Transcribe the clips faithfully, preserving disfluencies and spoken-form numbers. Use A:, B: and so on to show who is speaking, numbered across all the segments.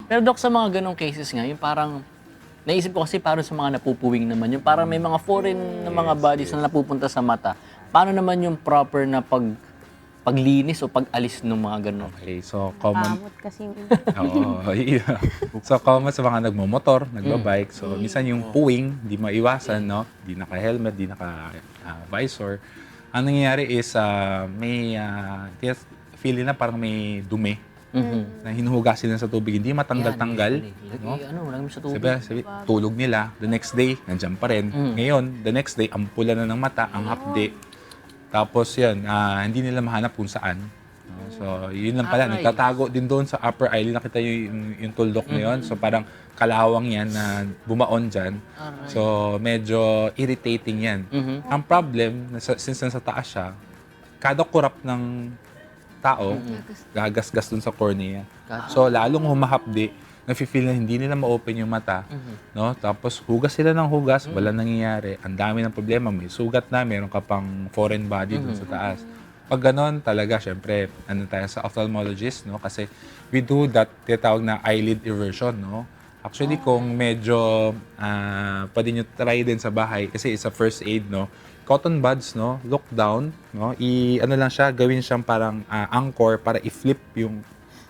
A: Pero Dok, sa mga ganong cases nga, yung parang, naisip ko kasi parang sa mga napupuwing naman, yung parang may mga foreign na mga
B: Yes,
A: bodies
B: yes.
A: na napupunta sa mata. Paano naman yung proper na pag paglinis o pag-alis ng mga ganon?
B: Okay, so common.
C: Kamot kasi yung iba.
B: Oo, yeah. So common sa mga nagmomotor, nagbabike. So minsan yung puwing, di maiwasan, no? Di naka-helmet, di naka-visor. Ang nangyayari is ah, may uh, feeling na parang may dumi na hinuhugasin nila sa tubig, hindi matanggal-tanggal.
A: Lagi,
B: No?
A: ano, lagi mo sa tubig.
B: Sabi, sabi, tulog nila. The next day, nandiyan pa rin. Ngayon, the next day, ampula na ng mata, ang hapde. Tapos yan, ah, hindi nila mahanap kung saan. No? So, yun lang pala.
A: Aray.
B: Nagtatago din doon sa upper eyelid. Nakita yung, yung, yung tuldok na yun. So, parang kalawang yan na bumaon dyan. So, medyo irritating yan. Ang problem, nasa, since nasa taas siya, kada kurap ng tao, gagasgas dun sa cornea. So, lalong humahapdi, nafe-feel na hindi nila ma-open yung mata, no? Tapos hugas sila ng hugas, wala nangyayari. Ang dami ng problema, may sugat na, meron ka pang foreign body dun sa taas. Pag ganon, talaga, syempre, ano tayo sa ophthalmologist, no? Kasi we do that, tinatawag na eyelid eversion, no? Actually, kung medyo ah, pwede nyo try din sa bahay, kasi it's a first aid, no? Cotton buds, no? Look down, no? I, ano lang siya, gawin siyang parang ah, anchor para i-flip yung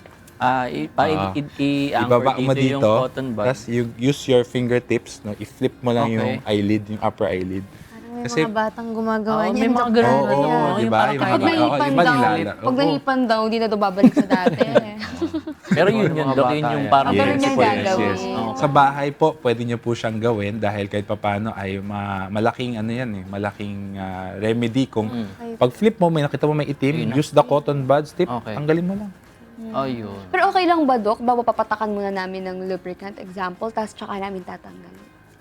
A: Ah, i- para
B: Ah,
A: i- i- i-anchor
B: ibaba mo
A: dito, yung
B: dito,
A: cotton bud.
B: tapos you use your fingertips, no? I-flip mo lang
A: Okay.
B: yung eyelid, yung upper eyelid.
C: Parang may
B: Kasi-
C: mga batang gumagawa
A: Oo,
C: niyan.
A: may mga
C: Dok.
A: ganun
B: Oo,
A: na,
B: oo,
A: no?
B: di
A: Yung
B: ba?
A: parang
B: Yung
A: kahit
C: Pag
B: mga-
C: nahipan
B: oo, iba
C: daw,
B: nilala.
C: pag
B: Oo.
C: nahipan daw, hindi na daw babalik sa dati.
A: Pero yun yun,
D: Mga
A: Dok,
D: bata
A: yun yung
D: yan.
A: parang
C: Yes,
A: principle.
C: yes, gagawin.
A: Oo.
B: Sa bahay po, pwede niyo po siyang gawin dahil kahit papano ay ma- malaking ano yan eh, malaking ah, remedy kung pag flip mo, may nakita mo may itim,
A: Yun na.
B: use the cotton buds tip,
A: Okay.
B: tanggalin mo lang.
A: Ayun.
C: Pero okay lang ba, Dok? Bago papatakan muna namin ng lubricant example, tapos tsaka namin tatanggal.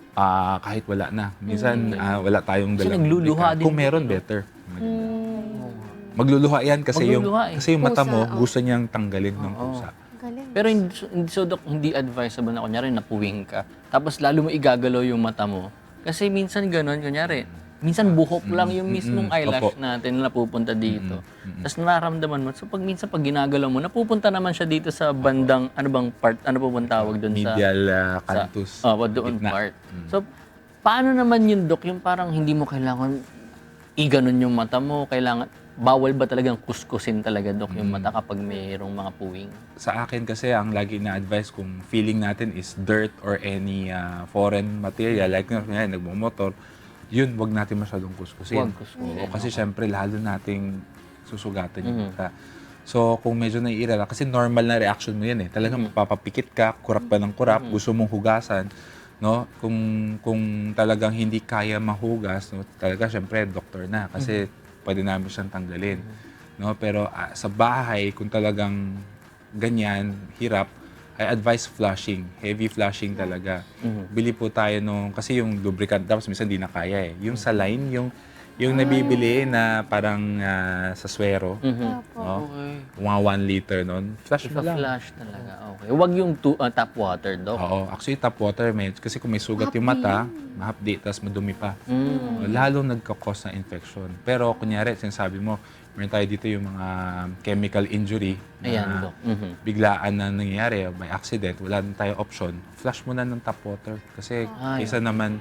B: Ah, kahit wala na. Minsan ah, wala tayong
A: Kasi
B: dalang
A: nagluluha
B: lubricant.
A: din
B: Kung
A: po,
B: meron,
A: no?
B: better. Maganda. Magluluha yan kasi
A: Magluluha
B: yung
A: eh.
B: kasi yung mata mo
C: Pusa, oh.
B: gusto niyang tanggalin ng pusa.
C: Galing.
A: Pero hindi, hindi, so, Dok, hindi advisable na kunyari napuwing ka. Tapos lalo mo igagalaw yung mata mo. Kasi minsan ganun, kunyari, minsan buhok lang yung mismong
B: mm,
A: eyelash
B: opo.
A: natin na napupunta dito. Tapos nararamdaman mo. So pag minsan pag ginagalaw mo, napupunta naman siya dito sa bandang, ano bang part, ano po bang tawag doon sa...
B: Medial ah,
A: sa
B: canthus.
A: oh, doon
B: gitna.
A: part. So, paano naman yun, Dok? Yung parang hindi mo kailangan iganon yung mata mo, kailangan, bawal ba talagang kuskusin talaga, Dok, yung mata kapag mayroong mga puwing?
B: Sa akin kasi ang lagi na advice kung feeling natin is dirt or any ah, foreign material like nga nga, nagmo-motor, yun wag natin masyadong kuskusin.
A: Huwag kuskusin,
B: Oo, kasi syempre lalo nating susugatan yung mata. So kung medyo naiirala, kasi normal na reaction mo yan eh. Talagang mapapapikit ka, kurap pa ng kurap, gusto mong hugasan. No? Kung kung talagang hindi kaya mahugas, no, talaga syempre doktor na kasi pwede namin siyang tanggalin. No? Pero ah, sa bahay, kung talagang ganyan, hirap, I advise flushing. Heavy flushing talaga. Bili po tayo nung, kasi yung lubricant, tapos minsan di na kaya eh. Yung saline, yung yung nabibili na parang ah, sa swero, no? Mga one liter nun, flush mo lang.
A: Ipa-flash talaga, okay. Huwag yung tu- ah, tap water, Dok.
B: Oo, actually tap water, may, kasi kung may sugat yung mata, mahapdi, tapos madumi pa. Lalong nagkakos ng infection. Pero kunyari, sinasabi mo, meron tayo dito yung mga chemical injury na
A: Ayan, Dok. Mhm.
B: biglaan na nangyayari by accident, wala na tayo option, flush mo na ng tap water. Kasi
A: Ah,
B: kaysa naman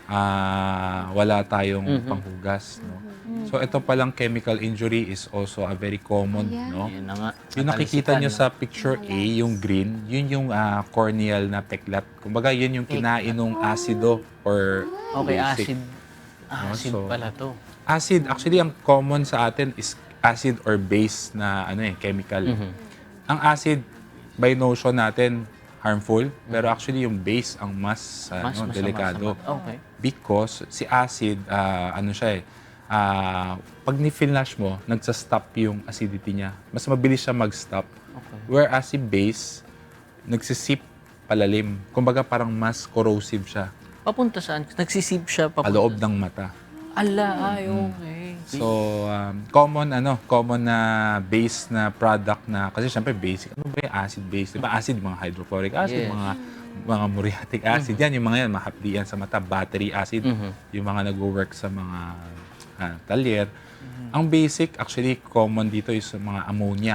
B: ah, wala tayong panghugas. No? So ito palang chemical injury is also a very common. No?
A: Yun na nga.
B: Yung nakikita nyo sa picture A, yung green, yun yung ah, corneal na peklat. Kumbaga, yun yung kinain ng acido or
A: Okay,
B: basic.
A: acid. Acid
B: so-
A: pala to.
B: Acid, actually, ang common sa atin is acid or base na ano eh, chemical. Ang acid, by notion natin, harmful, pero actually yung base ang mas,
A: Mas
B: ano,
A: masama
B: delikado.
A: sa mata. Okay.
B: Because si acid, ah, ano siya eh, ah, pag ni-flash mo, nagsa-stop yung acidity niya. Mas mabilis siya mag-stop.
A: Okay.
B: Whereas si base, nagsisip palalim. Kumbaga parang mas corrosive siya.
A: Papunta saan? Nagsisip siya papunta.
B: Paloob ng mata.
A: Ala, ay, okay.
B: So, um, common ano, common na base na product na kasi syempre basic. Ano ba 'yung acid base? 'Di ba acid mga hydrochloric acid,
A: Yes.
B: mga mga muriatic acid. Yan yung mga yan, mahapdi yan sa mata, battery acid, yung mga nagwo-work sa mga ah, talyer. Ang basic actually common dito is mga ammonia.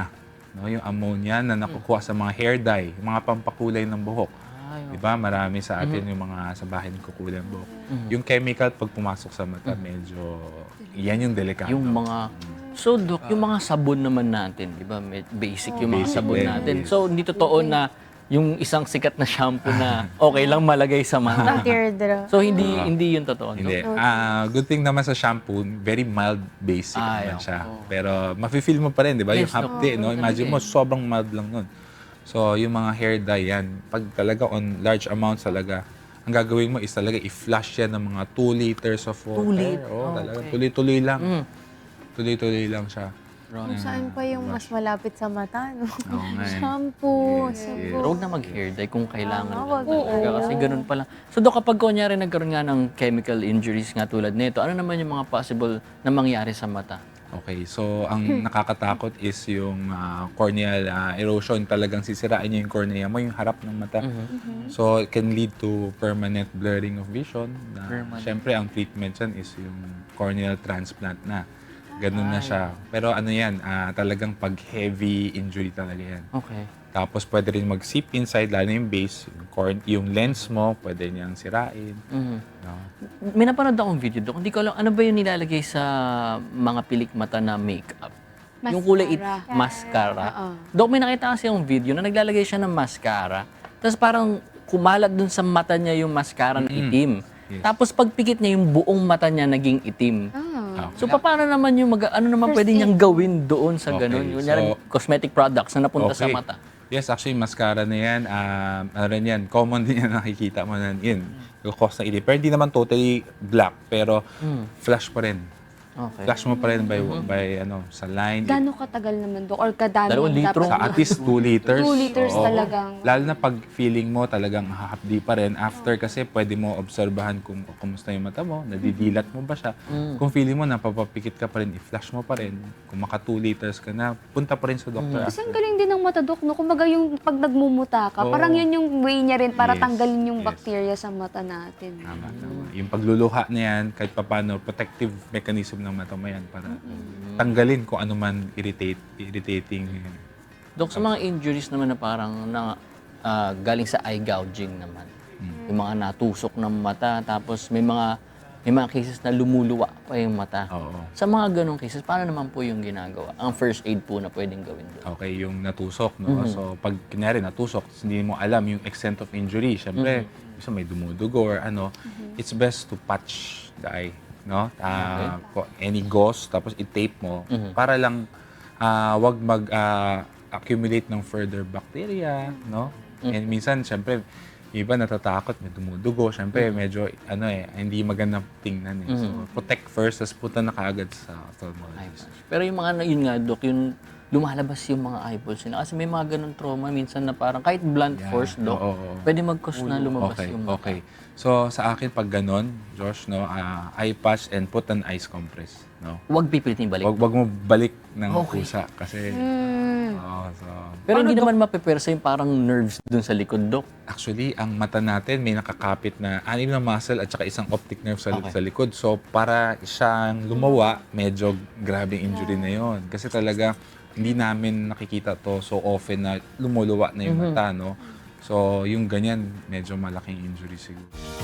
B: no? Yung ammonia na nakukuha sa mga hair dye, yung mga pampakulay ng buhok.
A: Ay,
B: Di ba? Marami sa atin yung mga sa bahay nagkukulay ng buhok. Yung chemical, pag pumasok sa mata, medyo, yan yung delikado.
A: yung mga So, Dok, yung mga sabon naman natin, di ba? Med- Basic yung mga
B: Basic
A: sabon
B: din,
A: natin.
B: yes.
A: So, hindi totoo na yung isang sikat na shampoo na okay lang malagay sa mata.
D: Teardrop.
A: So, hindi hindi yun totoo, Dok?
B: Hindi. Ah, good thing naman sa shampoo, very mild basic
A: Ay,
B: naman siya.
A: oo.
B: Pero mafe-feel mo pa rin, di ba?
A: Yes,
B: yung hapde, no? Imagine mo, sobrang mild lang nun. So, yung mga hair dye yan, pag talaga on large amounts talaga, ang gagawin mo is talaga i-flush yan ng mga two liters of water.
A: Two lit-
B: Oo,
A: oh,
B: talaga.
A: okay.
B: Tuloy-tuloy lang.
A: Mm.
B: Tuloy-tuloy lang siya.
D: Kung saan pa yung mas malapit sa mata, no?
B: Oo nga eh.
D: Shampoo,
B: Yes,
D: shampoo.
B: yes.
A: Pero huwag na mag-hair dye kung kailangan
D: Ah,
A: lang
D: wag.
A: talaga. Kasi ganun pa lang. So, Dok, kapag kunyari nagkaroon nga ng chemical injuries nga tulad nito, ano naman yung mga possible na mangyari sa mata?
B: Okay, so ang nakakatakot is yung ah, corneal ah, erosion. Talagang sisirain niya yung cornea mo, yung harap ng mata. So it can lead to permanent blurring of vision. Na,
A: Permanent.
B: Siyempre, ang treatment dyan is yung corneal transplant na. Ganun na siya. Pero ano yan, ah, talagang pag heavy injury talaga yan.
A: Okay.
B: Tapos pwede rin mag-seep inside, lalo yung base, yung, corn- yung lens mo, pwede niyang sirain.
A: Mhm.
B: No?
A: May napanood akong video, Dok. Hindi ko alam, ano ba yung nilalagay sa mga pilik mata na makeup? Yung kulay it,
C: Mascara.
A: mascara.
C: Oo.
A: Dok, may nakita kasi yung video na naglalagay siya ng mascara. Tapos parang kumalat dun sa mata niya yung mascara na itim.
B: Yes.
A: Tapos pagpikit niya, yung buong mata niya naging itim.
C: Ah.
B: Ah,
A: So, paano naman yung, mag- ano naman pwede niyang gawin doon sa
B: Okay,
A: ganun? Kunyari,
B: so-
A: cosmetic products na napunta sa
B: Okay.
A: mata.
B: Yes, actually, mascara na yan. Um, ano rin yan, common din yan nakikita mo na yun. Yung cause ng itim. Pero hindi naman totally black, pero flash pa rin.
A: Okay.
B: Flash mo pa rin by, by ano, sa line.
C: Gano'ng katagal naman, Dok? Or kadami
A: Dalawang litro?
B: Sa at least two liters.
C: Two liters
B: Oo.
C: talagang.
B: Lalo na pag feeling mo talagang hahapdi pa rin. After kasi pwede mo obserbahan kung kumusta yung mata mo, nadidilat mo ba siya. Kung feeling mo napapapikit ka pa rin, i-flash mo pa rin. Kung maka two liters ka na, punta pa rin sa doktor.
C: Kasi ang galing din ng mata, Dok, no? Kumbaga yung pag nagmumuta ka,
B: Oo.
C: parang yun yung way niya rin para
B: Yes,
C: tanggalin yung
B: yes.
C: bacteria sa mata natin.
B: Tama, tama. Yung pagluluha na yan, kahit papano, protective mechanism ng mata mo yan para tanggalin kung ano man irritate, irritating.
A: Dok, sa mga injuries naman na parang na, ah, galing sa eye gouging naman. Yung mga natusok ng mata, tapos may mga may mga cases na lumuluwa pa yung mata.
B: Oo.
A: Sa mga ganong cases, paano naman po yung ginagawa? Ang first aid po na pwedeng gawin doon.
B: Okay, yung natusok, no? So, pag kunyari natusok, hindi mo alam yung extent of injury. Siyempre, isa may dumudugo or ano, it's best to patch the eye, no? Ah, ko- any gauze, tapos i-tape mo para lang ah, wag mag-accumulate ng further bacteria, no? And minsan, siyempre, yung iba natatakot, may dumudugo. Siyempre, medyo, ano eh, hindi magandang tingnan eh. So, protect first, tapos punta na kaagad sa ophthalmologist.
A: Pero yung mga, yun nga, Dok, yung lumalabas yung mga eyeballs nila. Kasi may mga ganong trauma minsan na parang kahit blunt
B: Yeah.
A: force, Dok,
B: Oo, oo.
A: pwede mag-cause na lumabas
B: Okay,
A: yung mata.
B: okay. So, sa akin, pag ganon, Josh, no, ah, eye patch and put an ice compress, no?
A: Huwag pipilitin balik.
B: Wag, wag mo balik ng
A: Okay.
B: kusa kasi,
C: Hmm.
B: oo, so,
A: Pero hindi naman mapepersa yung parang nerves dun sa likod, Dok.
B: actually, ang mata natin may nakakapit na anim na muscle at saka isang optic nerve sa,
A: Okay.
B: sa likod. So, para siyang lumawa, medyo grabe injury na yon. Kasi talaga, hindi namin nakikita to so often na lumuluwa na yung mata, no? So, yung ganyan, medyo malaking injury siguro.